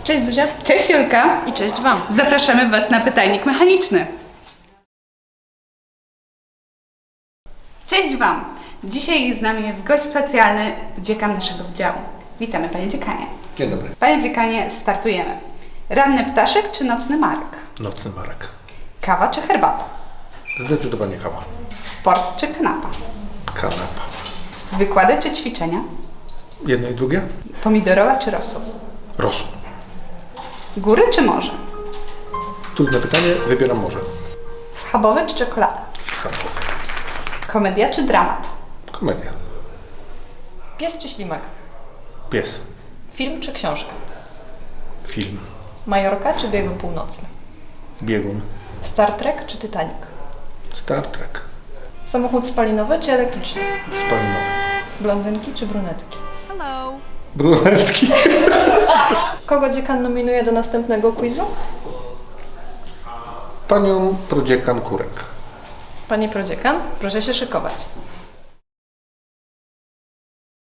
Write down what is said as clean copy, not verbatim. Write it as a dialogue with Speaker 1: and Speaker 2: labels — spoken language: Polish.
Speaker 1: Cześć Zuzia.
Speaker 2: Cześć Julka.
Speaker 1: I cześć Wam.
Speaker 2: Zapraszamy Was na pytajnik mechaniczny. Cześć Wam. Dzisiaj z nami jest gość specjalny, dziekan naszego wydziału. Witamy Panie Dziekanie.
Speaker 3: Dzień dobry.
Speaker 2: Panie Dziekanie, startujemy. Ranny ptaszek czy nocny marek?
Speaker 3: Nocny Marek.
Speaker 2: Kawa czy herbata?
Speaker 3: Zdecydowanie kawa.
Speaker 2: Sport czy kanapa?
Speaker 3: Kanapa.
Speaker 2: Wykłady czy ćwiczenia?
Speaker 3: Jedno i drugie?
Speaker 2: Pomidorowa czy rosół?
Speaker 3: Rosół.
Speaker 2: Góry czy morze?
Speaker 3: Trudne pytanie, wybieram morze.
Speaker 2: Schabowe czy czekolada?
Speaker 3: Schabowe.
Speaker 2: Komedia czy dramat?
Speaker 3: Komedia.
Speaker 1: Pies czy ślimak?
Speaker 3: Pies.
Speaker 1: Film czy książka?
Speaker 3: Film.
Speaker 1: Majorka czy biegun północny?
Speaker 3: Biegun.
Speaker 1: Star Trek czy Titanic?
Speaker 3: Star Trek.
Speaker 1: Samochód spalinowy czy elektryczny?
Speaker 3: Spalinowy.
Speaker 1: Blondynki czy brunetki?
Speaker 3: Brunetki.
Speaker 1: Kogo dziekan nominuje do następnego quizu?
Speaker 3: Panią prodziekan Kurek.
Speaker 1: Panie prodziekan, proszę się szykować.